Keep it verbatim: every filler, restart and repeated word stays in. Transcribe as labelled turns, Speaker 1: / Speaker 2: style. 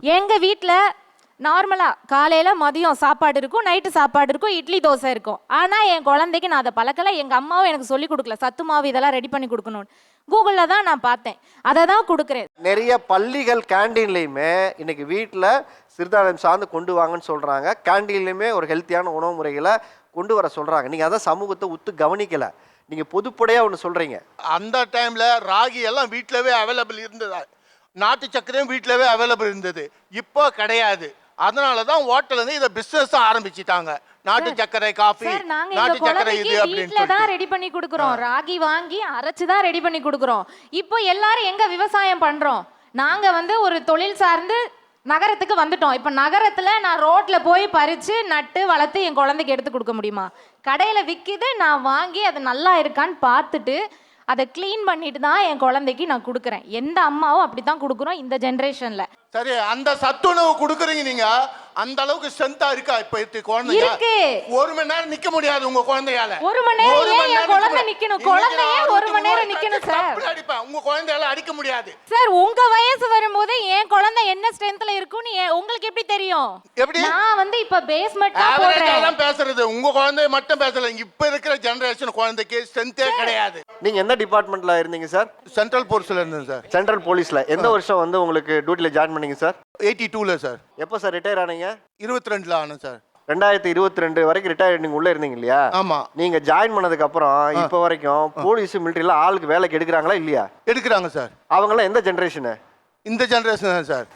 Speaker 1: எங்கள் வீட்டில் நார்மலாக காலையில் மதியம் சாப்பாடு இருக்கும், நைட்டு சாப்பாடு இருக்கும், இட்லி தோசை இருக்கும். ஆனால் என் குழந்தைக்கு நான் அதை பழக்கலை. எங்கள் அம்மாவும் எனக்கு சொல்லி கொடுக்கல சத்து மாவு இதெல்லாம் ரெடி பண்ணி கொடுக்கணும்னு. கூகுளில் தான் நான் பார்த்தேன், அதை தான் கொடுக்குறேன்.
Speaker 2: நிறைய பள்ளிகள் கேண்டீன்லையுமே இன்னைக்கு வீட்டில் சிறுதானியம் சார்ந்து கொண்டு வாங்கன்னு சொல்கிறாங்க. கேண்டீன்லையுமே ஒரு ஹெல்த்தியான உணவு முறைகளை கொண்டு வர சொல்கிறாங்க. நீங்கள் அதான் சமூகத்தை உத்து கவனிக்கலை. நீங்கள் பொதுப்படையாக ஒன்று சொல்கிறீங்க.
Speaker 3: அந்த டைமில் ராகி எல்லாம் வீட்டிலவே அவைலபிள் இருந்ததா, நாட்டு சர்க்கரையும் வீட்டிலவே அவைலபிள் இருந்தது. இப்போ கிடையாது. அதனால தான் ஹோட்டல் வந்து இதை பிஸ்னஸ் ஆரம்பிச்சிட்டாங்க. நாட்டு சர்க்கரை காஃபி, நாட்டு சர்க்கரை இது
Speaker 1: வீட்ல தான் ரெடி பண்ணி கொடுக்குறோம். ராகி வாங்கி அரைச்சு தான் ரெடி பண்ணி கொடுக்குறோம். இப்போ எல்லாரும் எங்க விவசாயம் பண்றோம்? நாங்க வந்து ஒரு தொழில் சார்ந்து நகரத்துக்கு வந்துட்டோம். இப்போ நகரத்துல நான் ரோட்ல போய் பறிச்சு நட்டு வளர்த்து என் குழந்தைக்கு எடுத்து கொடுக்க முடியுமா? கடையில விற்கிது, நான் வாங்கி அது நல்லா இருக்கான்னு பார்த்துட்டு அதை க்ளீன் பண்ணிட்டு தான் என் குழந்தைக்கு நான் கொடுக்குறேன். எந்த அம்மாவும் அப்படி தான் கொடுக்குறோம் இந்த ஜென்ரேஷன்ல.
Speaker 3: சரி, அந்த சத்துணவு கொடுக்குறீங்க நீங்க, அந்த அளவுக்கு ஸ்ட்ரென்த்தா இருக்கா இப்ப இருக்கு குழந்தைங்க?
Speaker 1: இருக்கு.
Speaker 3: ஒரு மணி நேரம் நிக்க முடியாது உங்க குழந்தையால.
Speaker 1: ஒரு மணி நேரம் ஏன் என் குழந்தை நிக்கணும்? குழந்தையே ஒரு மணி நேரம் நிக்கணும் சார்.
Speaker 3: அடிப்பேன், உங்க குழந்தையால அடிக்க முடியாது
Speaker 1: சார். உங்க வயசு வரும்போது என் குழந்தை என்ன ஸ்ட்ரென்த்ல இருக்குன்னு உங்களுக்கு எப்படி தெரியும்?
Speaker 3: எப்படி?
Speaker 1: நான் வந்து இப்ப பேஸ்மெண்ட் தான்
Speaker 3: ஆவரேஜா
Speaker 1: போடுறேன்.
Speaker 3: தான் பேசுறது. உங்க குழந்தை மட்டும் பேசல, இப்ப இருக்கிற ஜெனரேஷன் குழந்தைக்கு ஸ்ட்ரென்த்தே கிடையாது.
Speaker 2: நீங்கள் எந்த டிபார்ட்மெண்ட்டில் இருந்தீங்க சார்?
Speaker 3: சென்ட்ரல் போர்ஸ்ல இருந்தேன் சார்.
Speaker 2: சென்ட்ரல் போலீஸில். எந்த வருஷம் வந்து உங்களுக்கு டியூட்டியில் ஜாயின் பண்ணீங்க சார்?
Speaker 3: எயிட்டி டூல சார்.
Speaker 2: எப்போ சார் ரிட்டையர் ஆனீங்க?
Speaker 3: இருபத்தி ரெண்டுல ஆனேன் சார்.
Speaker 2: ரெண்டாயிரத்தி இருபத்தி ரெண்டு வரைக்கும் ரிட்டையர் நீங்க உள்ள இருந்தீங்க இல்லையா?
Speaker 3: ஆமா.
Speaker 2: நீங்க ஜாயின் பண்ணதுக்கு அப்புறம் இப்போ வரைக்கும் போலீஸ் மிலிட்டரியில ஆளுக்கு வேலைக்கு எடுக்கிறாங்களா இல்லையா?
Speaker 3: எடுக்கிறாங்க சார்.
Speaker 2: அவங்க எல்லாம் எந்த ஜெனரேஷன்?
Speaker 3: இந்த ஜெனரேஷன் தான் சார்.